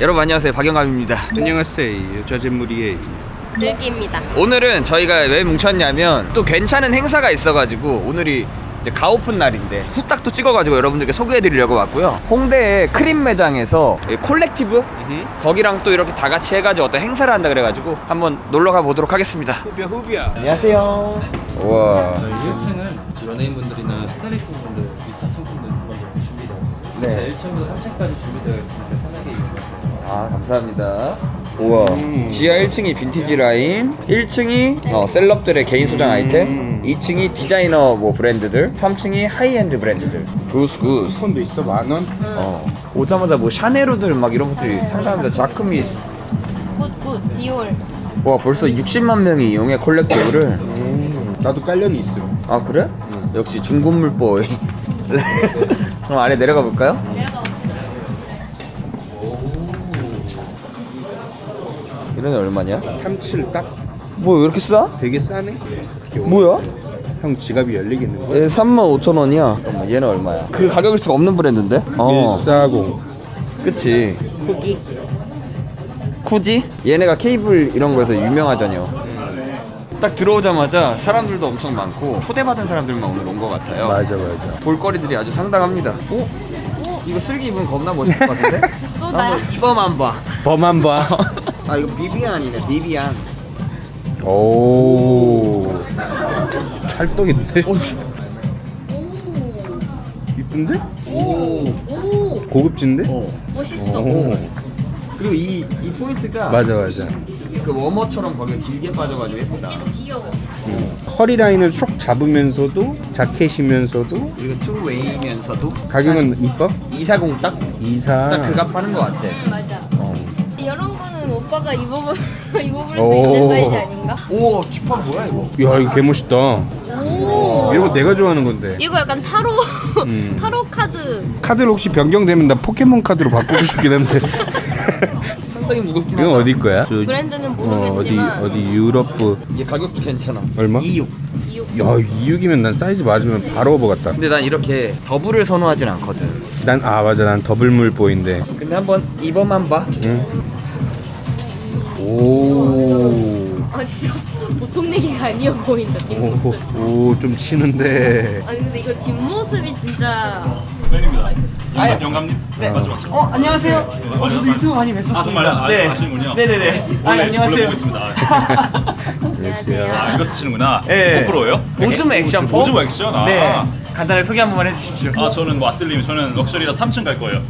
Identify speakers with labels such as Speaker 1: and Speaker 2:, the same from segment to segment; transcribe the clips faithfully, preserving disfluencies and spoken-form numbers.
Speaker 1: 여러분 안녕하세요, 박영감입니다.
Speaker 2: 안녕하세요, 저잼물이에요.
Speaker 3: 슬기입니다.
Speaker 1: 오늘은 저희가 왜 뭉쳤냐면 또 괜찮은 행사가 있어가지고 오늘이 이제 가오픈 날인데 후딱 또 찍어가지고 여러분들께 소개해드리려고 왔고요. 홍대의 크림 매장에서 콜렉티브
Speaker 2: 으흠.
Speaker 1: 거기랑 또 이렇게 다 같이 해가지고 어떤 행사를 한다 그래가지고 한번 놀러가 보도록 하겠습니다.
Speaker 2: 후비야 후비야.
Speaker 1: 안녕하세요. 우와.
Speaker 4: 저희 일 층은 연예인분들이나 스타일리스트분들 기타 상품들 그런 준비되어 있어요.
Speaker 1: 네.
Speaker 4: 일 층부터 삼 층까지 준비되어 있으니까 편하게 이용하세요.
Speaker 1: 아, 감사합니다. 우와.
Speaker 2: 음.
Speaker 1: 지하 일 층이 빈티지 라인, 일 층이 어, 셀럽들의 개인 소장
Speaker 2: 음.
Speaker 1: 아이템, 이 층이 디자이너 뭐 브랜드들, 삼 층이 하이엔드 브랜드들. 굿 굿.
Speaker 2: 폰도 있어 만 원.
Speaker 1: 어. 오자마자 뭐 샤네루들 막 이런 것들이 상당합니다. 자크미.
Speaker 3: 굿굿 디올.
Speaker 1: 와, 벌써 육십만 명이 이용해 콜렉티브를.
Speaker 2: 음, 나도 깔려는 있어.
Speaker 1: 아, 그래?
Speaker 2: 응.
Speaker 1: 역시 중고물 보이. 그럼 아래 내려가 볼까요?
Speaker 3: 내려가 보세요.
Speaker 1: 이런 애 얼마냐?
Speaker 2: 삼십칠 딱.
Speaker 1: 뭐 왜 이렇게 싸?
Speaker 2: 되게 싸네.
Speaker 1: 뭐야?
Speaker 2: 형 지갑이 열리겠는 거야?
Speaker 1: 얘 삼만 오천 원이야. 잠깐만, 얘는 얼마야? 그 가격일 수가 없는 브랜드인데? 어.
Speaker 2: 일사공.
Speaker 1: 그치. 쿠기? 쿠지? 얘네가 케이블 이런 거에서 유명하잖여. 딱 들어오자마자 사람들도 엄청 많고 초대받은 사람들만 오늘 온 것 같아요.
Speaker 2: 맞아 맞아.
Speaker 1: 볼거리들이 아주 상당합니다. 오?
Speaker 3: 오,
Speaker 1: 이거 슬기 입으면 겁나 멋있을 것 같은데?
Speaker 3: 또 나야?
Speaker 1: 한번 입어만 봐.
Speaker 2: 범한 봐.
Speaker 1: 아, 이거 비비안이네, 비비안.
Speaker 2: 오. 찰떡인데?
Speaker 1: 오.
Speaker 2: 이쁜데?
Speaker 3: 오, 오,
Speaker 2: 고급진데?
Speaker 1: 어.
Speaker 3: 멋있어.
Speaker 2: 오.
Speaker 1: 그리고 이, 이 포인트가
Speaker 2: 맞아 맞아.
Speaker 1: 그 워머처럼 거기에 길게 빠져가지고 예쁘다.
Speaker 3: 얘도 귀여워.
Speaker 2: 음. 허리 라인을 쭉 잡으면서도 자켓이면서도
Speaker 1: 그리고 투웨이면서도
Speaker 2: 가격은 이뻐?
Speaker 1: 이사공 딱?
Speaker 2: 이사.
Speaker 1: 딱 그 값 하는 것 같아.
Speaker 3: 응 맞아.
Speaker 2: 어.
Speaker 3: 이런 거는 오빠가 입어볼 입어볼 수
Speaker 2: 오.
Speaker 3: 있는 사이즈 아닌가?
Speaker 1: 오, 뒷판 뭐야 이거?
Speaker 2: 야 이거 개 멋있다.
Speaker 3: 오.
Speaker 2: 이런 거 내가 좋아하는 건데.
Speaker 3: 이거 약간 타로
Speaker 2: 음.
Speaker 3: 타로 카드.
Speaker 2: 카드를 혹시 변경되면 나 포켓몬 카드로 바꾸고 싶긴 한데.
Speaker 1: 상당히 무겁긴
Speaker 2: 이건
Speaker 1: 하다.
Speaker 2: 어디 거야? 저,
Speaker 3: 브랜드는
Speaker 2: 어, 어디
Speaker 3: 모르겠지만
Speaker 2: 어디 유럽부.
Speaker 1: 이게 가격도 괜찮아.
Speaker 2: 얼마?
Speaker 1: 이육.
Speaker 3: 이육.
Speaker 2: 야 이육이면 난 사이즈 맞으면 바로 오버 같다.
Speaker 1: 근데 난 이렇게 더블을 선호하진 않거든.
Speaker 2: 난 아 맞아 난 더블물 보인데.
Speaker 1: 근데 한번 입어만 봐.
Speaker 2: 응. 오.
Speaker 3: 아 진짜 보통 내기가 아니어 보인다 뒷모습.
Speaker 2: 오좀 치는데.
Speaker 3: 아니 근데 이거 뒷모습이 진짜
Speaker 5: 팬입니다.
Speaker 1: 아유.
Speaker 5: 영감, 영감님?
Speaker 1: 네.
Speaker 5: 맞죠, 맞죠.
Speaker 1: 어, 안녕하세요. 어, 저도 유튜브 많이 뵀었습니다.
Speaker 5: 아, 정말요? 아,
Speaker 1: 네.
Speaker 5: 아시는군요.
Speaker 1: 네네네. 아,
Speaker 5: 원래-
Speaker 1: 안녕하세요.
Speaker 5: 원래 보고 있습니다.
Speaker 2: 안녕하세요.
Speaker 5: 아, 이거 쓰시는구나.
Speaker 1: 네.
Speaker 5: 고프로예요?
Speaker 1: 오즈모 액션 폼?
Speaker 5: 오즈모 액션? 아.
Speaker 1: 네. 간단하게 소개 한 번만 해주십시오.
Speaker 5: 아, 저는 뭐 아뜰님, 저는 럭셔리라 삼 층 갈 거예요.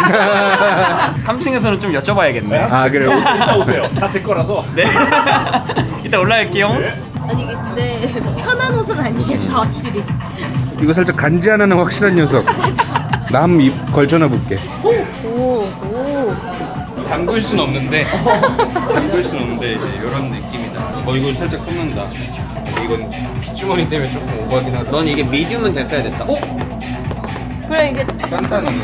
Speaker 1: 삼 층에서는 좀 여쭤봐야겠네.
Speaker 2: 아 그래.
Speaker 5: 이따 오세요. 다 제 거라서.
Speaker 1: 네. 이따 올라갈게요.
Speaker 5: 네.
Speaker 3: 아니 이게 근데 편한 옷은 아니겠다 확실히.
Speaker 2: 이거 살짝 간지 하나는 확실한 녀석. 나 한번 입 걸쳐놔 볼게.
Speaker 3: 오 오.
Speaker 2: 잠글 순 없는데. 잠글 순 없는데 이제 이런 느낌이다. 어 이거 살짝 섞는다. 이건 빗주머니 때문에 조금 오버하긴 하다.
Speaker 1: 넌 이게 미디움은 됐어야 됐다. 어?
Speaker 3: 그래 이게
Speaker 2: 간단하네.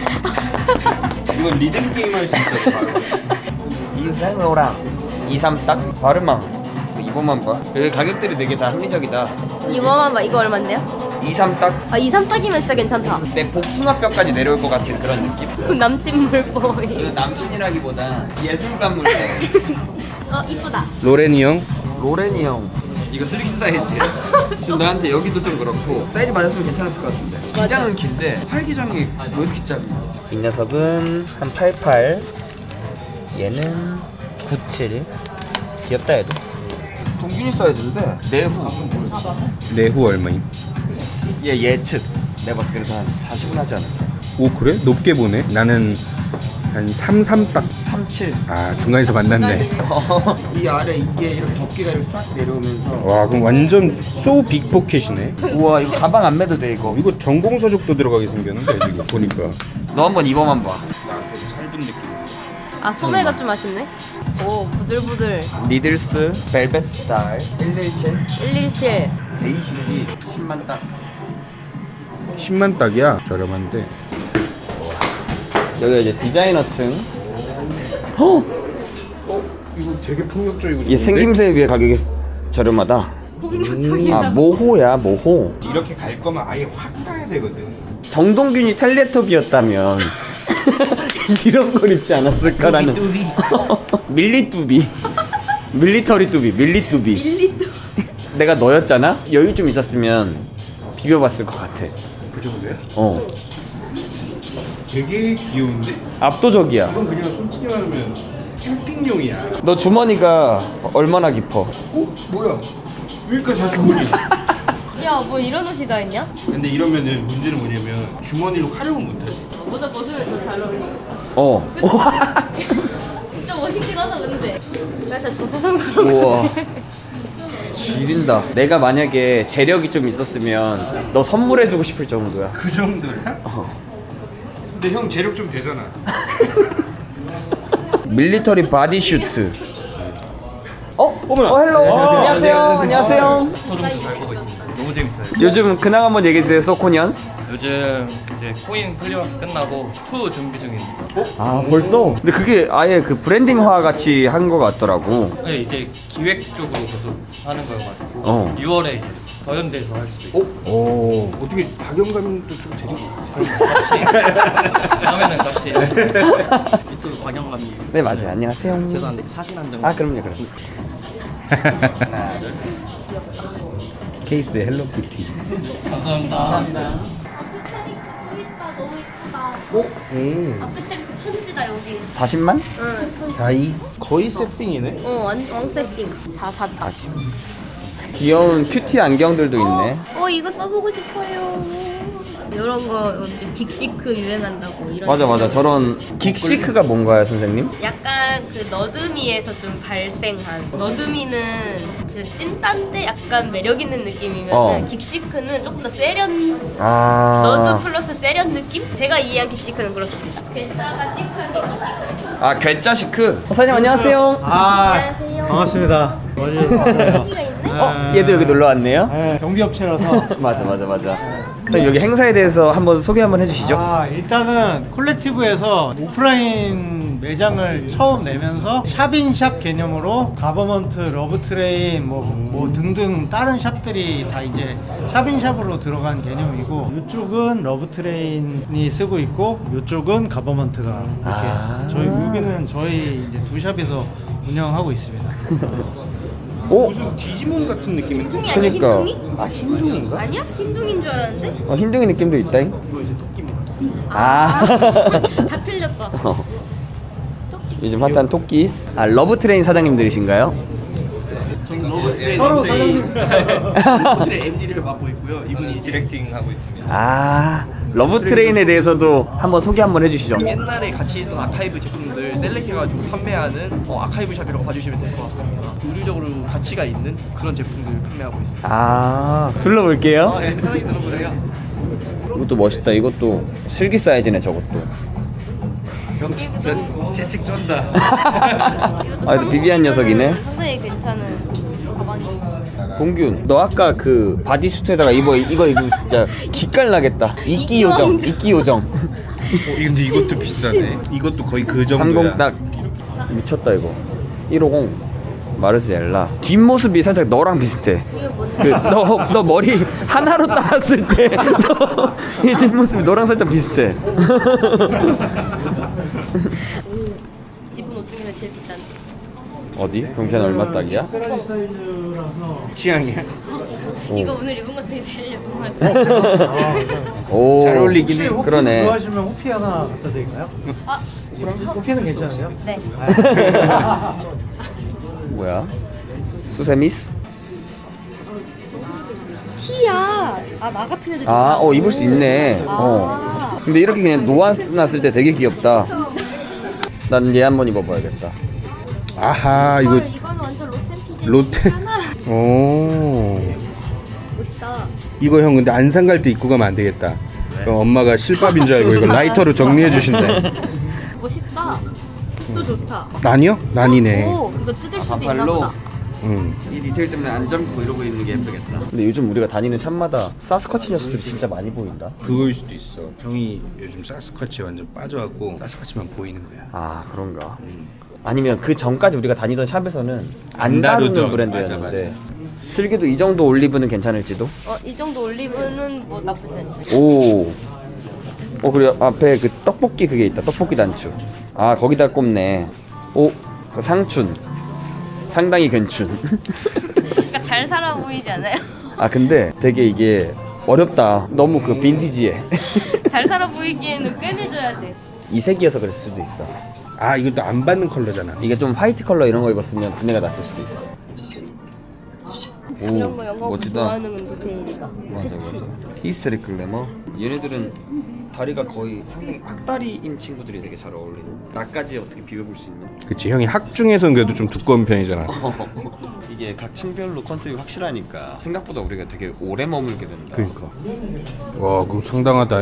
Speaker 2: 이건 리듬 게임 할 수 있어. 바로.
Speaker 1: 인생로랑 이삼 딱 바르망. 이거만 봐. 여기 가격들이 되게 다 합리적이다.
Speaker 3: 이거만 봐. 이거 얼만데요?
Speaker 1: 이삼 딱.
Speaker 3: 아 이삼 딱이면 진짜 괜찮다.
Speaker 1: 내 복숭아뼈까지 내려올 것 같은 그런 느낌?
Speaker 3: 남친 물보이.
Speaker 1: 이거 남친이라기보다 예술가 물고.
Speaker 3: 어 이쁘다.
Speaker 2: 로렌이 형.
Speaker 1: 로렌이 형. 이거 슬릭 사이즈. 지금 나한테 여기도 좀 그렇고 사이즈 맞았으면 괜찮았을 것 같은데. 기장은 긴데 팔기장이 왜 이렇게 짧아? 이 녀석은 한 팔십팔. 얘는 구십칠. 귀엽다 얘도. 동균이 사이즈인데 내후.
Speaker 2: 내후 얼마임?
Speaker 1: 얘 예측. 내가 봤을 때 그래도 한 사십은 하지 않을까?
Speaker 2: 오 그래? 높게 보네. 나는 한 삼십삼 딱.
Speaker 1: 삼십칠.
Speaker 2: 아 중간에서 만났네.
Speaker 1: 이 아래 이게 이렇게 덮개가 이렇게 싹 내려오면서.
Speaker 2: 와 그럼 완전 소 빅포켓이네.
Speaker 1: 우와, 이거 가방 안 매도 돼 이거.
Speaker 2: 이거 전공 서적도 들어가게 생겼는데 지금 보니까.
Speaker 1: 너 한번 입어만 봐.
Speaker 2: 짧은 느낌.
Speaker 3: 아 소매가 좀 아쉽네. 오 부들부들.
Speaker 1: 니들스 벨벳 스타일 일일칠
Speaker 3: 일일칠.
Speaker 1: 에이시지 십만 딱.
Speaker 2: 십만 딱이야. 저렴한데.
Speaker 1: 여기가 이제 디자이너층.
Speaker 2: 어? 이거 되게 폭력적이고
Speaker 1: 얘 생김새에 비해 가격이 저렴하다.
Speaker 3: 폭력적이다.
Speaker 1: 아, 모호야 모호.
Speaker 2: 이렇게 갈 거면 아예 확 가야 되거든.
Speaker 1: 정동균이 텔레토비였다면 이런 걸 입지 않았을까라는.
Speaker 2: 뚜비.
Speaker 1: 밀리뚜비. 밀리터리 뚜비. 밀리뚜비.
Speaker 3: 밀리또.
Speaker 1: 내가 너였잖아? 여유 좀 있었으면 비벼봤을 것 같아.
Speaker 2: 그 정도야?
Speaker 1: 어.
Speaker 2: 되게 귀여운데?
Speaker 1: 압도적이야.
Speaker 2: 이건 그냥 솔직히 말하면 캠핑용이야.
Speaker 1: 너 주머니가 얼마나 깊어?
Speaker 2: 어? 뭐야? 여기까지 다 주머니.
Speaker 3: 야, 뭐 이런 옷이 다 있냐?
Speaker 2: 근데 이러면은 문제는 뭐냐면 주머니로 활용을 못하지.
Speaker 3: 모자 벗으면 더 잘 어울리겠다.
Speaker 1: 어.
Speaker 3: 진짜 멋있긴 하다 근데. 약간 저 세상 사람.
Speaker 1: 우와. 지린다. 내가 만약에 재력이 좀 있었으면 너 선물해주고 싶을 정도야.
Speaker 2: 그 정도야?
Speaker 1: 어.
Speaker 2: 근데 형 재력 좀 되잖아.
Speaker 1: 밀리터리 바디슈트. 어? 어, 헬로. 안녕하세요. 안녕하세요.
Speaker 6: 저좀 잘 보고 있습니다. 너무 재밌어요.
Speaker 1: 요즘 근황 한번 얘기해주세요, 소코니언스.
Speaker 6: 요즘 이제 코인 클리어 끝나고 투 준비 중입니다.
Speaker 1: 아, 벌써? 근데 그게 아예 그 브랜딩화 같이 한 거 같더라고.
Speaker 6: 네, 이제 기획 쪽으로 계속 하는 거여가지고
Speaker 1: 어.
Speaker 6: 유월에 이제 더현대에서 할 수도 있어요.
Speaker 1: 오.
Speaker 2: 어떻게 박영감도 좀 데리고.
Speaker 6: 같이 다음에는 같이
Speaker 4: 유튜브 박영감님.
Speaker 1: 네, 맞아요. 안녕하세요.
Speaker 4: 죄송한데 사진 한 장.
Speaker 1: 아, 그럼요, 그럼. 하나, 둘. 케이스 헬로키티.
Speaker 6: 감사합니다.
Speaker 3: 예쁘다, 너무 예쁘다.
Speaker 1: 오? 음.
Speaker 3: 아크테리스 천지다 여기.
Speaker 1: 사십만?
Speaker 3: 응.
Speaker 1: 사이.
Speaker 2: 거의 세핑이네.
Speaker 3: 어, 완 왕세팅. 사사다.
Speaker 1: 귀여운 큐티 안경들도 있네.
Speaker 3: 어, 이거 써보고 싶어요. 이런 거 요즘 긱시크 유행한다고 이런.
Speaker 1: 맞아, 맞아.
Speaker 3: 인형.
Speaker 1: 저런 긱시크가 뭔가요, 선생님?
Speaker 3: 약간 그 너드미에서 좀 발생한 너드미는 진짜 찐딴데 약간 매력 있는 느낌이면은
Speaker 1: 어.
Speaker 3: 긱시크는 조금 더 세련
Speaker 1: 아.
Speaker 3: 너드 플러스 세련 느낌? 제가 이해한 긱시크는 그렇습니다. 괜찮아 시크한 게 긱시크.
Speaker 1: 아, 괴짜 시크. 선생님 안녕하세요.
Speaker 7: 아,
Speaker 3: 안녕하세요.
Speaker 7: 반갑습니다. 와주셔서 감사해요.
Speaker 3: 여기가 있네.
Speaker 1: 어, 얘도 여기 놀러 왔네요.
Speaker 7: 네, 경비업체라서.
Speaker 1: 맞아, 맞아, 맞아. 그럼 여기 행사에 대해서 한번 소개 한번 해주시죠.
Speaker 7: 아, 일단은 콜렉티브에서 오프라인 매장을 처음 내면서 샵인샵 개념으로 가버먼트, 러브트레인 뭐, 뭐 등등 다른 샵들이 다 이제 샵인샵으로 들어간 개념이고 이쪽은 러브트레인이 쓰고 있고 이쪽은 가버먼트가 이렇게
Speaker 1: 아.
Speaker 7: 저희 여기는 저희 이제 두 샵에서 운영하고 있습니다.
Speaker 1: 오,
Speaker 2: 무슨 디지몬 같은 느낌인데?
Speaker 3: 흰둥이 아니야
Speaker 1: 그러니까.
Speaker 3: 흰둥이?
Speaker 1: 아, 흰둥인가?
Speaker 3: 아니야? 흰둥이인 줄 알았는데?
Speaker 1: 어, 흰둥이 느낌도 있다잉. 아.
Speaker 3: 다 틀렸다.
Speaker 1: 어.
Speaker 3: 토끼.
Speaker 1: 요즘 핫한 토끼. 아, 러브트레인 사장님들이신가요?
Speaker 4: 저는 러브트레인
Speaker 7: 서로
Speaker 4: 엠제이
Speaker 7: 사장님.
Speaker 4: 러브트레인 엠디를 맡고 있고요. 이분이 디렉팅 하고 있습니다.
Speaker 1: 아, 러브트레인에 대해서도 한번 소개 한번 해주시죠.
Speaker 4: 옛날에 같이 있던 아카이브 제품들 셀렉해가지고 판매하는 어, 아카이브 샵이라고 봐주시면 될 것 같습니다. 의류적으로 가치가 있는 그런 제품들 판매하고 있습니다.
Speaker 1: 아, 둘러볼게요.
Speaker 4: 아, 예, 편하게 들어보세요.
Speaker 1: 이것도 멋있다. 이것도 슬기 사이즈네, 저것도.
Speaker 2: 형 진짜 재책 쩐다.
Speaker 3: 이것도
Speaker 1: 아, 비비안 녀석이네.
Speaker 3: 상당히 괜찮은 가방이.
Speaker 1: 봉균, 너 아까 그 바디수트에다가 입어 이거 이거 진짜 기깔나겠다. 이끼 요정, 이끼 요정.
Speaker 2: 어, 근데 이것도 비싸네. 이것도 거의 그 정도야.
Speaker 1: 삼십 딱 미쳤다 이거. 일오공 마르셀라. 뒷모습이 살짝 너랑 비슷해.
Speaker 3: 이게 뭔데?
Speaker 1: 그 너 너 머리 하나로 따왔을 때 이 뒷모습이 너랑 살짝 비슷해.
Speaker 3: 지분 옷 중에서 제일 비싼데.
Speaker 1: 어디? 그럼 걔는 얼마 딱이야?
Speaker 7: 세라지 사이즈라서
Speaker 2: 취향이야.
Speaker 3: 이거 오늘 입은 것 중에 제일 예쁜 것 같아.
Speaker 1: 오,
Speaker 2: 잘 어울리긴 해.
Speaker 7: 혹시 호피
Speaker 1: 그러네.
Speaker 7: 좋아하시면 호피 하나 갖다 드릴까요?
Speaker 3: 아,
Speaker 7: 호피는 괜찮으세요?
Speaker 3: 네.
Speaker 1: 뭐야? 수세미스?
Speaker 3: 티야. 아, 나 같은 애들.
Speaker 1: 아, 어 입을 수 있네.
Speaker 3: 아.
Speaker 1: 어. 근데 이렇게 그냥 놓아놨을 때 되게 귀엽다. 난 얘 한번 입어봐야겠다.
Speaker 2: 아하 이거
Speaker 3: 헐, 이거는 완전 로템 피지.
Speaker 2: 로테. 오.
Speaker 3: 멋있다.
Speaker 2: 이거 형 근데 안산 갈 때 입고 가면 안 되겠다. 그럼 엄마가 실밥인 줄 알고 이거 라이터로 정리해 주신다.
Speaker 3: 멋있다. 또 좋다.
Speaker 2: 난이요? 난이네.
Speaker 3: 오, 이거 뜯을 수도 있나
Speaker 1: 반팔로?
Speaker 3: 보다.
Speaker 2: 응.
Speaker 1: 이 디테일 때문에 안 잠고 이러고 있는 게 예쁘겠다. 근데 요즘 우리가 다니는 샵마다 사스쿼치 녀석들이 진짜 많이 보인다.
Speaker 2: 그거일 수도 있어. 형이 요즘 사스쿼치에 완전 빠져갖고 사스쿼치만 보이는 거야.
Speaker 1: 아, 그런가?
Speaker 2: 음.
Speaker 1: 아니면 그 전까지 우리가 다니던 샵에서는 안
Speaker 2: 안
Speaker 1: 다루는
Speaker 2: 다루던,
Speaker 1: 브랜드였는데
Speaker 2: 맞아, 맞아.
Speaker 1: 슬기도 이 정도 올리브는 괜찮을지도?
Speaker 3: 어, 이 정도 올리브는 뭐 나쁘지 않지.
Speaker 1: 오, 어 그리고 앞에 그 떡볶이 그게 있다. 떡볶이 단추. 아 거기다 꼽네. 오, 그 상춘. 상당히 괜춘.
Speaker 3: 그러니까 잘 살아 보이지 않아요?
Speaker 1: 아 근데 되게 이게 어렵다. 너무 그 빈티지해.
Speaker 3: 잘 살아 보이기에는 꿰매줘야 돼.
Speaker 1: 이 색이어서 그럴 수도 있어.
Speaker 2: 아 이것도 안 받는 컬러잖아.
Speaker 1: 이게 좀 화이트 컬러 이런 거 입었으면 분해가 났을 수도 있어. 오,
Speaker 3: 이런 거 영어
Speaker 1: 멋지다.
Speaker 3: 좋아하는 디테일이다.
Speaker 1: 맞아 맞아. 히스테릭 글래머. 얘네들은 다리가 거의 상당히 팍다리인 친구들이 되게 잘 어울리는. 나까지 어떻게 비벼볼 수 있는?
Speaker 2: 그치 형이 학 중에서는 그래도 좀 두꺼운 편이잖아.
Speaker 1: 이게 각 층별로 컨셉이 확실하니까 생각보다 우리가 되게 오래 머물게 된다.
Speaker 2: 그러니까. 와 그거 상당하다.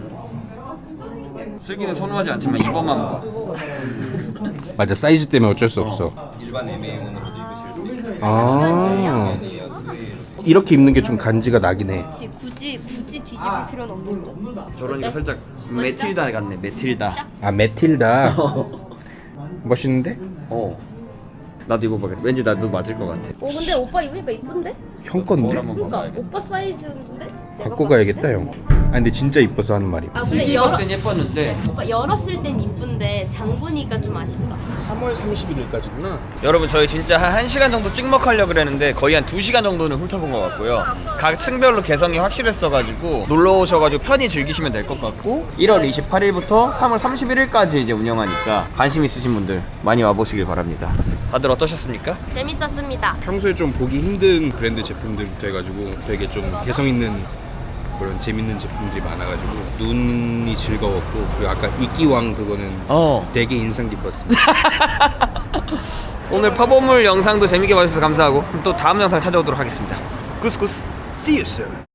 Speaker 1: 슬기는 선호하지 않지만 이거만 봐.
Speaker 2: 맞아 사이즈 때문에 어쩔 수 없어.
Speaker 1: 일반 엠에이원으로도 입으실 수 있어.
Speaker 2: 아 이렇게 입는 게 좀 간지가 나긴 해.
Speaker 3: 그치, 굳이 굳이 뒤집을 필요는 없는 거.
Speaker 1: 저러니까
Speaker 3: 어때?
Speaker 1: 살짝 메틸다 같네. 메틸다.
Speaker 2: 아 메틸다. 멋있는데?
Speaker 1: 어. 나도 입어봐야겠다. 왠지 나도 맞을 것 같아.
Speaker 3: 어 근데 오빠 입으니까 이쁜데?
Speaker 2: 형 건데?
Speaker 3: 그러니까 오빠 사이즈인데? 내가
Speaker 2: 갖고
Speaker 3: 봤을
Speaker 2: 가야겠다
Speaker 3: 때?
Speaker 2: 형. 아 근데 진짜 이뻐서 하는 말이야.
Speaker 3: 아 근데
Speaker 1: 슬기
Speaker 3: 열어
Speaker 1: 봤을 땐 예뻤는데.
Speaker 3: 오빠 열었을 땐 이쁜데 잠그니까 좀 아쉽다.
Speaker 2: 삼월 삼십일일까지구나.
Speaker 1: 여러분 저희 진짜 한 1시간 정도 찍먹하려고 그랬는데 거의 한 두 시간 정도는 훑어본 것 같고요. 각 층별로 개성이 확실했어가지고 놀러 오셔가지고 편히 즐기시면 될 것 같고 일월 이십팔일부터 삼월 삼십일일까지 이제 운영하니까 관심 있으신 분들 많이 와보시길 바랍니다. 다들 어떠셨습니까?
Speaker 3: 재밌었습니다.
Speaker 2: 평소에 좀 보기 힘든 브랜드 제품들부터 해가지고 되게 좀 개성 있는 그런 재밌는 제품들이 많아가지고 눈이 즐거웠고 그리고 아까 이끼왕 그거는
Speaker 1: 어.
Speaker 2: 되게 인상 깊었습니다.
Speaker 1: 오늘 파보물 영상도 재밌게 봐주셔서 감사하고 또 다음 영상 찾아오도록 하겠습니다. 구스구스 See you soon.